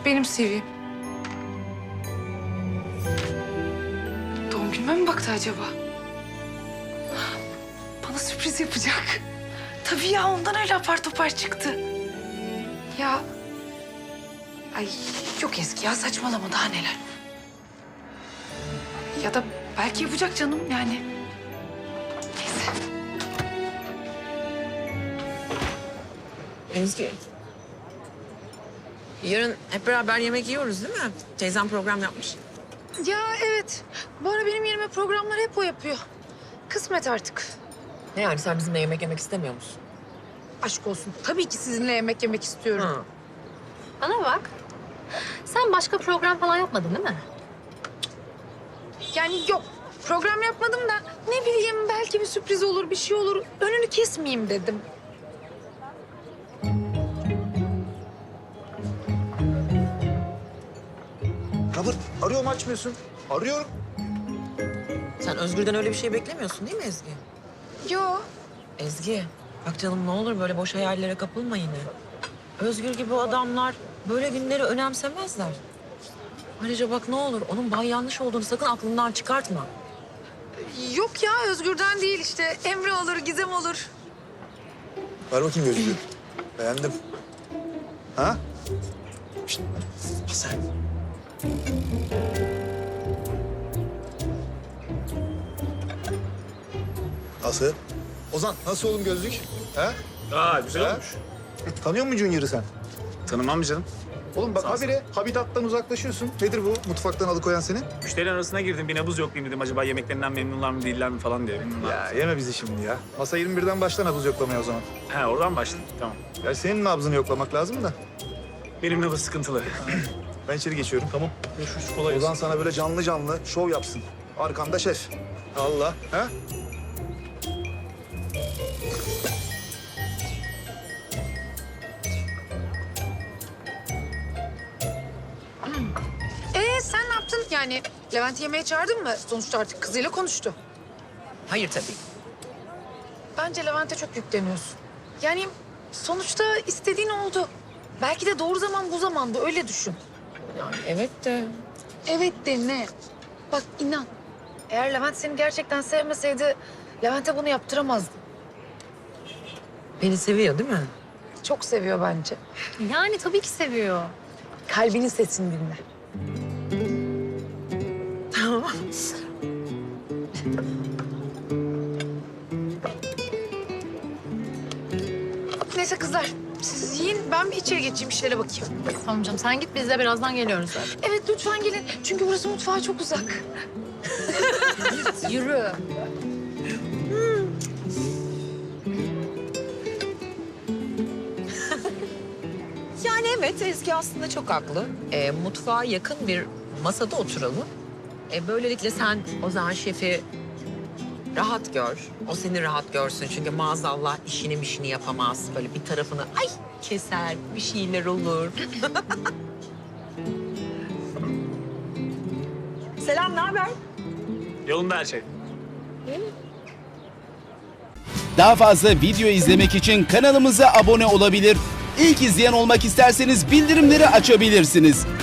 benim CV'm. Doğum günüme mi baktı acaba? Bana sürpriz yapacak. Tabii ya, ondan öyle apar topar çıktı. Ya... Ay yok Ezgi ya, saçmalama, daha neler. Ya da belki yapacak canım yani. Neyse. Ezgi. Yarın hep beraber yemek yiyoruz değil mi? Teyzem program yapmış. Ya evet. Bu ara benim yerime programları hep o yapıyor. Kısmet artık. Ne yani sen bizimle yemek yemek istemiyor musun? Aşk olsun. Tabii ki sizinle yemek yemek istiyorum. Hı. Bana bak. Sen başka program falan yapmadın değil mi? Yani yok. Program yapmadım da ne bileyim, belki bir sürpriz olur, bir şey olur. Önünü kesmeyeyim dedim. Kabır, arıyorum açmıyorsun. Arıyorum. Sen Özgür'den öyle bir şey beklemiyorsun değil mi Ezgi? Yo. Ezgi, bak canım ne olur böyle boş hayallere kapılma yine. Özgür gibi adamlar böyle günleri önemsemezler. Ayrıca bak ne olur onun bay yanlış olduğunu sakın aklından çıkartma. Yok ya, Özgür'den değil işte. Emre olur, Gizem olur. Ver bakayım gözlüğü. Beğendim. Ha? Şişt, sen. Nasıl? Ozan, nasıl oğlum gözlük? Ha? Güzel Ha? olmuş. Tanıyor musun Junior'ı sen? Tanımam canım. Oğlum bak habire habitattan uzaklaşıyorsun. Nedir bu mutfaktan alıkoyan seni? Müşterilerin arasına girdim. Bir nabız yoklayayım dedim. Acaba yemeklerinden memnunlar mı değiller mi falan diye. Ya yeme bizi şimdi ya. Masa 21'den başla nabız yoklamaya o zaman. He oradan başladık. Tamam. Ya senin nabzını yoklamak lazım da. Benim nabız sıkıntılı. Ben içeri geçiyorum. Tamam. Görüşürüz. Kolay Ozan sana böyle canlı canlı şov yapsın. Arkanda şef. Allah. Ha? Sen ne yaptın? Yani Levent'i yemeğe çağırdın mı? Sonuçta artık kızıyla konuştu. Hayır tabii. Bence Levent'e çok yükleniyorsun. Yani sonuçta istediğin oldu. Belki de doğru zaman bu zamanda, öyle düşün. Yani evet de Evet de ne? Bak inan. Eğer Levent seni gerçekten sevmeseydi Levent'e bunu yaptıramazdı. beni seviyor değil mi? Çok seviyor bence. Yani tabii ki seviyor. Kalbinin sesini dinle. Tamam. Neyse kızlar, siz yiyin. Ben bir içeri geçeyim, işlere bakayım. Tamam canım, sen git, biz de birazdan geliyoruz zaten. Evet, lütfen gelin. Çünkü burası mutfağa çok uzak. Yürü. Yani evet Ezgi aslında çok haklı. Mutfağa yakın bir masada oturalım. Böylelikle sen o zaman şefi rahat gör. O seni rahat görsün çünkü maazallah işini yapamaz. Böyle bir tarafını ay keser, bir şeyler olur. Selam, ne haber? Yolunda her şey. Daha fazla video izlemek için kanalımıza abone olabilir. İlk izleyen olmak isterseniz bildirimleri açabilirsiniz.